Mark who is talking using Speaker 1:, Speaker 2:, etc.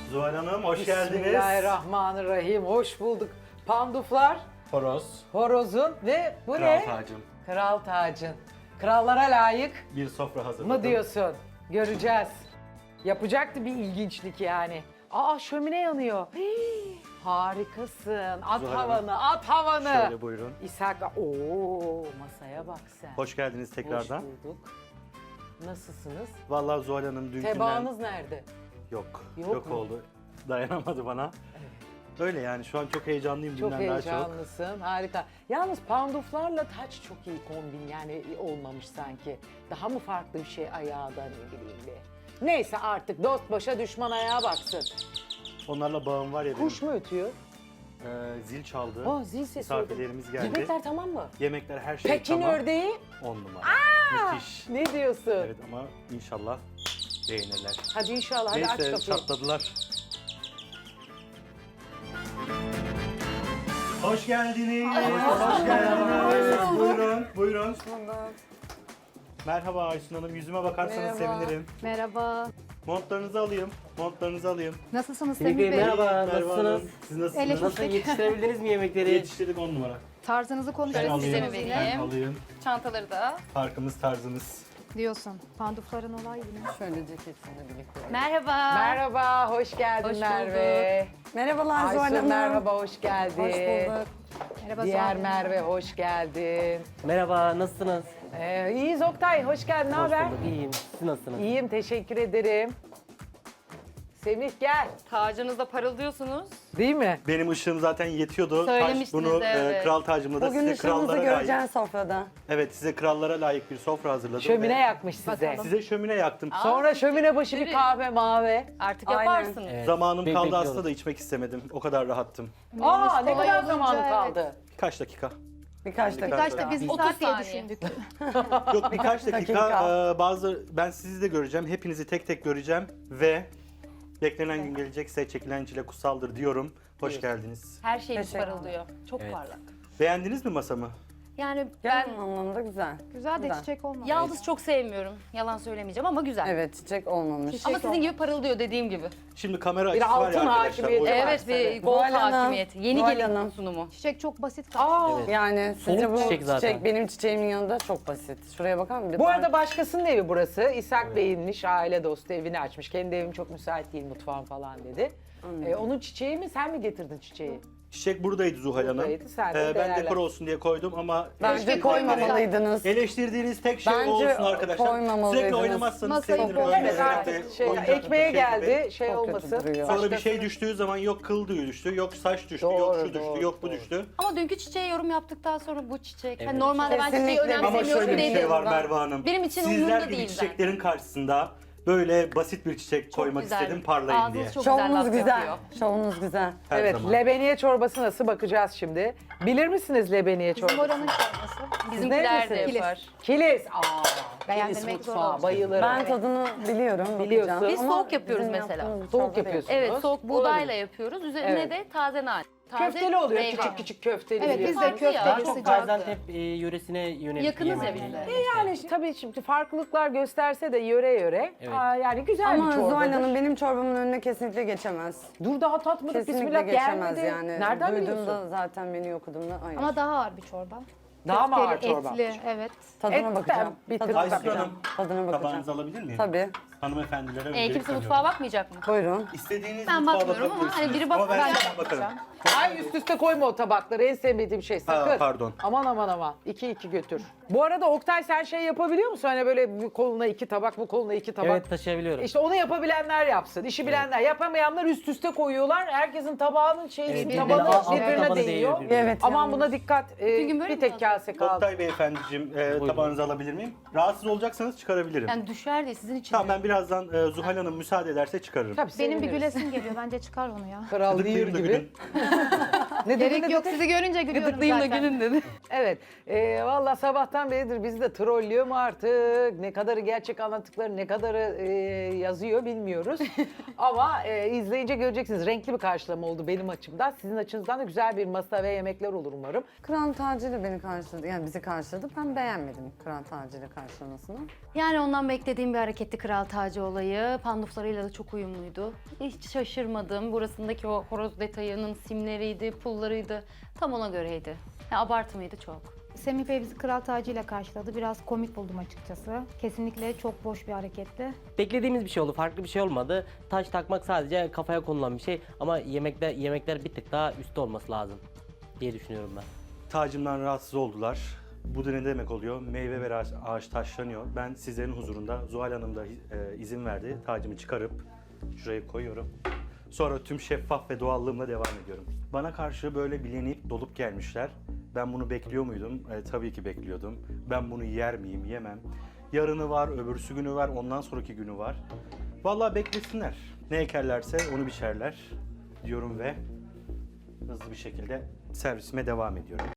Speaker 1: Zuhal Hanım hoş geldiniz.
Speaker 2: Bismillahirrahmanirrahim. Hoş bulduk. Panduflar,
Speaker 1: Horoz.
Speaker 2: horozun ve bu
Speaker 1: Kral
Speaker 2: ne?
Speaker 1: tacım.
Speaker 2: Kral tacın. Krallara layık
Speaker 1: Bir sofra hazırladım.
Speaker 2: mı diyorsun? Göreceğiz. Yapacaktı bir ilginçlik yani. Aa şömine yanıyor. Hii, harikasın. At
Speaker 1: Zuhal
Speaker 2: havanı, at havanı.
Speaker 1: Şöyle buyurun.
Speaker 2: İshak, ooo masaya bak sen.
Speaker 1: Hoş geldiniz tekrardan.
Speaker 2: Hoş bulduk. Nasılsınız?
Speaker 1: Vallahi Zuhal Hanım dünkünden...
Speaker 2: Tebaanız nerede?
Speaker 1: Yok.
Speaker 2: Yok
Speaker 1: Yok
Speaker 2: mu?
Speaker 1: oldu. Dayanamadı bana. Öyle yani şu an çok heyecanlıyım
Speaker 2: Çok
Speaker 1: dünden daha çok.
Speaker 2: heyecanlısın, harika. Yalnız panduflarla taç çok iyi kombin yani olmamış sanki. Daha mı farklı bir şey ayağı da ne bileyim bir. Neyse artık dost başa düşman ayağa baksın.
Speaker 1: Onlarla bağım var ya benim.
Speaker 2: Kuş mu ötüyor?
Speaker 1: Zil çaldı.
Speaker 2: Oh zil sesi oldu.
Speaker 1: Misafirlerimiz geldi.
Speaker 2: Yemekler tamam mı?
Speaker 1: Yemekler her şey
Speaker 2: Pekin
Speaker 1: tamam.
Speaker 2: ördeği
Speaker 1: 10 numara. Müthiş.
Speaker 2: ne diyorsun?
Speaker 1: Evet ama inşallah beğenirler.
Speaker 2: Hadi inşallah hadi aç
Speaker 1: Neyse
Speaker 2: kapıyı.
Speaker 1: çatladılar. Hoş geldiniz. Hoş geldiniz. Buyurun, buyurun. Merhaba Aysun Hanım. Yüzüme bakarsanız sevinirim.
Speaker 3: Merhaba.
Speaker 1: Montlarınızı alayım. Montlarınızı alayım.
Speaker 3: Nasılsınız
Speaker 4: Semih
Speaker 3: Semih
Speaker 4: Bey,
Speaker 3: Bey?
Speaker 4: merhaba,
Speaker 1: Merhaba
Speaker 4: nasılsınız?
Speaker 1: Hanım. Siz nasılsınız?
Speaker 4: Nasıl yetiştirebildiniz mi yemekleri?
Speaker 1: Yetiştirdik 10 numara.
Speaker 3: Tarzınızı
Speaker 1: Ben
Speaker 3: konuşuyoruz
Speaker 1: alayım.
Speaker 3: sizinle
Speaker 1: Ben
Speaker 3: yine.
Speaker 1: alayım.
Speaker 5: Çantaları da.
Speaker 1: Farkımız tarzımız.
Speaker 3: Diyorsun. Pandufların olay yine.
Speaker 2: Şöyle ceketinle birlikte.
Speaker 5: Merhaba.
Speaker 2: Merhaba, hoş geldin
Speaker 5: Hoş
Speaker 2: Merve.
Speaker 6: Merhabalar Zuhal
Speaker 2: Aysun
Speaker 6: Hanım.
Speaker 2: merhaba, hoş geldin.
Speaker 6: Hoş bulduk.
Speaker 3: Merhaba
Speaker 2: Diğer
Speaker 3: Zuhal Hanım.
Speaker 2: Merve hoş geldin.
Speaker 4: Merhaba, nasılsınız?
Speaker 2: İyiyiz Oktay, hoş geldin. Ne
Speaker 4: Hoş
Speaker 2: haber?
Speaker 4: bulduk, iyiyim. Siz nasılsınız?
Speaker 2: İyiyim, teşekkür ederim. Semih gel.
Speaker 5: Tacınızda parıldıyorsunuz.
Speaker 2: Değil mi?
Speaker 1: Benim ışığım zaten yetiyordu.
Speaker 5: Söylemiştiniz,
Speaker 1: Bunu
Speaker 5: evet.
Speaker 1: kral tacımla da
Speaker 6: Bugün
Speaker 1: size
Speaker 6: ışığınızı
Speaker 1: krallara layık.
Speaker 6: göreceğiz sofrada.
Speaker 1: Evet size krallara layık bir sofra hazırladım.
Speaker 2: Şömine
Speaker 1: ve
Speaker 2: yakmış size.
Speaker 1: Size şömine yaktım.
Speaker 2: Sonra şömine başı bir
Speaker 5: tabii.
Speaker 2: kahve mavi.
Speaker 5: Artık
Speaker 6: Aynen.
Speaker 5: yaparsınız.
Speaker 4: Evet,
Speaker 1: Zamanım kaldı
Speaker 4: bekliyoruz.
Speaker 1: aslında da içmek istemedim. O kadar rahattım.
Speaker 2: Aa ne
Speaker 3: kolay
Speaker 2: kadar
Speaker 3: olunca,
Speaker 2: zamanı
Speaker 3: evet.
Speaker 2: kaldı.
Speaker 1: Birkaç dakika.
Speaker 6: Birkaç dakika.
Speaker 3: Birkaç da biz bir
Speaker 5: 30
Speaker 3: saat diye
Speaker 5: saniye.
Speaker 3: düşündük.
Speaker 1: Yok birkaç dakika.
Speaker 6: Dakika.
Speaker 1: Ben sizi de göreceğim. Hepinizi tek tek göreceğim ve beklenen gün gelecekse çekilen çile kutsaldır diyorum. Hoş geldiniz.
Speaker 5: Her şeyimiz
Speaker 6: Teşekkür
Speaker 5: parıldıyor. Çok
Speaker 4: Evet.
Speaker 5: parlak.
Speaker 1: Beğendiniz mi masamı?
Speaker 5: Yani
Speaker 6: Genel
Speaker 5: ben
Speaker 6: anlamda güzel.
Speaker 3: Güzel de
Speaker 6: Güzel.
Speaker 3: çiçek olmadı.
Speaker 5: yaldız çok sevmiyorum. Yalan söylemeyeceğim ama güzel.
Speaker 6: Evet çiçek olmamış.
Speaker 5: Ama sizin gibi parıldıyor dediğim gibi.
Speaker 1: Şimdi kamera
Speaker 2: Bir
Speaker 1: açısı var ya
Speaker 2: altın
Speaker 1: arkadaşlar.
Speaker 2: hakimiyeti
Speaker 1: o-
Speaker 2: var.
Speaker 5: Evet bir
Speaker 2: tabii.
Speaker 5: gold
Speaker 6: Zuhal Hanım,
Speaker 5: hakimiyeti. Yeni
Speaker 6: Zuhal
Speaker 5: gelin
Speaker 6: Hanım.
Speaker 5: sunumu.
Speaker 3: Çiçek çok basit
Speaker 2: Aa,
Speaker 3: kaldı.
Speaker 4: Evet.
Speaker 6: Yani sizce
Speaker 4: Soğuk
Speaker 6: bu
Speaker 4: çiçek zaten.
Speaker 6: çiçek benim çiçeğimin yanında çok basit. Şuraya bakar mısın?
Speaker 2: bu arada başkasının evi burası. İshak Bey'inmiş, aile dostu evini açmış. Kendi evim çok müsait değil mutfağım falan dedi. Onun çiçeği mi sen mi getirdin çiçeği?
Speaker 1: Çiçek buradaydı Zuhal Hanım.
Speaker 2: Buradaydı, sen de
Speaker 1: Ben
Speaker 2: değerlen.
Speaker 1: dekor olsun diye koydum ama
Speaker 6: Bence koymamalıydınız.
Speaker 1: eleştirdiğiniz tek şey
Speaker 6: Bence
Speaker 1: o olsun arkadaşlar.
Speaker 6: koymamalıydınız.
Speaker 1: Sürekli oynamazsanız
Speaker 3: Masayı
Speaker 1: sevinirim.
Speaker 3: koy-
Speaker 1: Öyle
Speaker 2: Evet
Speaker 1: sürekli
Speaker 2: artık şey,
Speaker 1: oyuncakla
Speaker 2: ekmeğe
Speaker 1: şey gibi.
Speaker 2: geldi şey
Speaker 6: Çok kötü
Speaker 2: olmasın.
Speaker 6: duruyor.
Speaker 1: Sonra bir
Speaker 2: Başkası-
Speaker 1: şey düştüğü zaman yok kıl tüyü düştü, yok saç düştü,
Speaker 2: Doğru,
Speaker 1: yok şu düştü,
Speaker 2: doğru,
Speaker 1: yok bu
Speaker 2: doğru.
Speaker 1: düştü.
Speaker 5: Ama dünkü çiçeğe yorum yaptıktan sonra bu çiçek.
Speaker 4: Evet.
Speaker 5: Hani normalde ben çiçeği
Speaker 6: Kesinlikle.
Speaker 1: Ama
Speaker 5: önemsemiyorum
Speaker 1: şöyle bir
Speaker 5: dedim.
Speaker 1: şey var Merve Hanım.
Speaker 5: Benim için
Speaker 1: Sizler
Speaker 5: umurumda
Speaker 1: gibi
Speaker 5: değil
Speaker 1: çiçeklerin karşısında böyle basit bir çiçek koymak
Speaker 5: güzel.
Speaker 1: istedim parlayın
Speaker 5: Ağzınız
Speaker 1: diye.
Speaker 5: çok güzel
Speaker 6: Şovunuz
Speaker 5: laf
Speaker 6: güzel.
Speaker 5: yapıyor.
Speaker 6: Şovunuz güzel.
Speaker 1: Her
Speaker 2: Evet,
Speaker 1: zaman.
Speaker 2: lebeniye çorbası nasıl bakacağız şimdi. Bilir misiniz lebeniye
Speaker 3: Bizim
Speaker 2: çorbası?
Speaker 3: oranın çorbası.
Speaker 5: Bizimkiler de
Speaker 2: neresiniz?
Speaker 5: yapar.
Speaker 2: Kilis. Aa, Kilis
Speaker 3: Beğendirmek zor
Speaker 2: mutfağı
Speaker 3: olur.
Speaker 2: bayılırım.
Speaker 6: Ben tadını biliyorum.
Speaker 2: Biliyorsun.
Speaker 6: bakacağım.
Speaker 5: Biz
Speaker 6: Ama
Speaker 5: soğuk yapıyoruz
Speaker 6: bizim
Speaker 5: mesela.
Speaker 6: yaptığımız
Speaker 2: Soğuk
Speaker 6: çorba değil.
Speaker 2: yapıyorsunuz.
Speaker 5: Evet soğuk
Speaker 2: Olabilir.
Speaker 5: buğdayla yapıyoruz. Üzerine
Speaker 2: Evet.
Speaker 5: de taze nane. Taze
Speaker 2: Köfteli oluyor
Speaker 5: meyve.
Speaker 2: küçük küçük köfteli.
Speaker 3: Evet biz de
Speaker 5: Farklı ya.
Speaker 3: köfteli
Speaker 5: Çok
Speaker 3: sıcak.
Speaker 4: Gaziantep yöresine yönelik
Speaker 5: Yakınız ya
Speaker 4: yemek.
Speaker 5: bize.
Speaker 2: Yani tabii şimdi farklılıklar gösterse de yöre yöre.
Speaker 4: Evet.
Speaker 2: Yani güzel
Speaker 6: Ama
Speaker 2: bir çorbadır.
Speaker 6: Zuhal Hanım benim çorbamın önüne kesinlikle geçemez.
Speaker 2: Dur daha tatmadık
Speaker 6: Kesinlikle
Speaker 2: bismillah
Speaker 6: geçemez
Speaker 2: gelmedi.
Speaker 6: yani.
Speaker 2: Nereden
Speaker 6: Duyduğumda
Speaker 2: biliyorsun?
Speaker 6: zaten menü okuduğumda hayır.
Speaker 3: Ama daha ağır bir çorba.
Speaker 2: Daha mı ağır
Speaker 3: Köfteli,
Speaker 2: çorba?
Speaker 3: etli, evet.
Speaker 6: Tadına
Speaker 2: Et,
Speaker 6: bakacağım.
Speaker 2: bir tık
Speaker 6: Tadına
Speaker 1: Aysun
Speaker 6: bakacağım.
Speaker 1: Hanım,
Speaker 6: Tadına bakacağım.
Speaker 1: tabağınızı alabilir miyim?
Speaker 6: Tabii.
Speaker 1: Hanımefendilere
Speaker 5: Kimse
Speaker 1: öncelik
Speaker 5: mutfağa bakmayacak mı?
Speaker 6: Buyurun.
Speaker 1: İstediğiniz
Speaker 5: Ben
Speaker 1: mutfağa
Speaker 5: bakmıyorum ama
Speaker 1: bakabilirsiniz.
Speaker 5: hani biri
Speaker 1: Ama ben
Speaker 5: bakar.
Speaker 1: sana bakarım.
Speaker 2: Ay üst üste koyma o tabakları. En sevmediğim şey sakın.
Speaker 1: pardon.
Speaker 2: Aman aman aman. 2-2 götür. Bu arada Oktay sen şey yapabiliyor musun? Hani böyle bu koluna 2 tabak, bu koluna 2 tabak.
Speaker 4: Evet, taşıyabiliyorum.
Speaker 2: İşte onu yapabilenler yapsın. İşi bilenler. Yapamayanlar üst üste koyuyorlar. Herkesin tabağının şeyi
Speaker 4: Evet,
Speaker 2: tabanı
Speaker 4: alt
Speaker 2: birbirine
Speaker 4: tabanı
Speaker 2: değiyor.
Speaker 4: değiyor birbirine.
Speaker 6: Evet.
Speaker 2: Aman
Speaker 6: yalnız.
Speaker 2: buna dikkat.
Speaker 5: gün böyle
Speaker 2: Bir
Speaker 5: mi
Speaker 2: tek
Speaker 5: oldu?
Speaker 2: kase kaldı.
Speaker 1: Oktay Beyefendiciğim tabağınızı alabilir miyim? Rahatsız olacaksanız çıkarabilirim.
Speaker 5: Yani düşer diye sizin için.
Speaker 1: Tamam ben birazdan Zuhal Hanım müsaade ederse çıkarırım.
Speaker 2: Tabii
Speaker 3: Benim bir
Speaker 2: seviniriz.
Speaker 3: gülesim geliyor. Bence çıkar onu ya.
Speaker 2: Kral değil
Speaker 1: Gıdıklayayım da
Speaker 2: gibi.
Speaker 1: gülün.
Speaker 2: Ne dedi,
Speaker 3: Gerek
Speaker 2: ne
Speaker 3: yok,
Speaker 2: dedi?
Speaker 3: sizi görünce gülüyorum
Speaker 5: Gıdıklayayım da
Speaker 3: zaten.
Speaker 5: gülün dedi.
Speaker 2: Evet. Valla sabahtan beridir bizi de trollüyor mu artık? Ne kadarı gerçek anlattıkları, ne kadarı yazıyor bilmiyoruz. Ama izleyince göreceksiniz. Renkli bir karşılama oldu benim açımdan. Sizin açınızdan da güzel bir masa ve yemekler olur umarım.
Speaker 6: Kral tacıyla beni karşıladı. Yani bizi karşıladı. Ben beğenmedim kral tacıyla karşılamasını.
Speaker 5: Yani ondan beklediğim bir hareketti kral tacı olayı. Panduflarıyla da çok uyumluydu. Hiç şaşırmadım. Burasındaki o horoz detayının simleriydi, pullarıydı. Tam ona göreydi. Ya, abartı mıydı çok?
Speaker 3: Semih Bey bizi kral tacıyla karşıladı. Biraz komik buldum açıkçası. Kesinlikle çok boş bir hareketti.
Speaker 4: Beklediğimiz bir şey oldu, farklı bir şey olmadı. Taç takmak sadece kafaya konulan bir şey ama yemekler bir tık daha üstte olması lazım diye düşünüyorum ben.
Speaker 1: Tacımdan rahatsız oldular. Bu da ne demek oluyor? Meyve ve ağaç taşlanıyor. Ben sizlerin huzurunda Zuhal Hanım da izin verdi. Tacımı çıkarıp şuraya koyuyorum. Sonra tüm şeffaf ve doğallığımla devam ediyorum. Bana karşı böyle bilenip dolup gelmişler. Ben bunu bekliyor muydum? Tabii ki bekliyordum. Ben bunu yer miyim? Yemem. Yarını var, öbürsü günü var, ondan sonraki günü var. Vallahi beklesinler. Ne ekerlerse onu biçerler diyorum ve hızlı bir şekilde servisime devam ediyorum.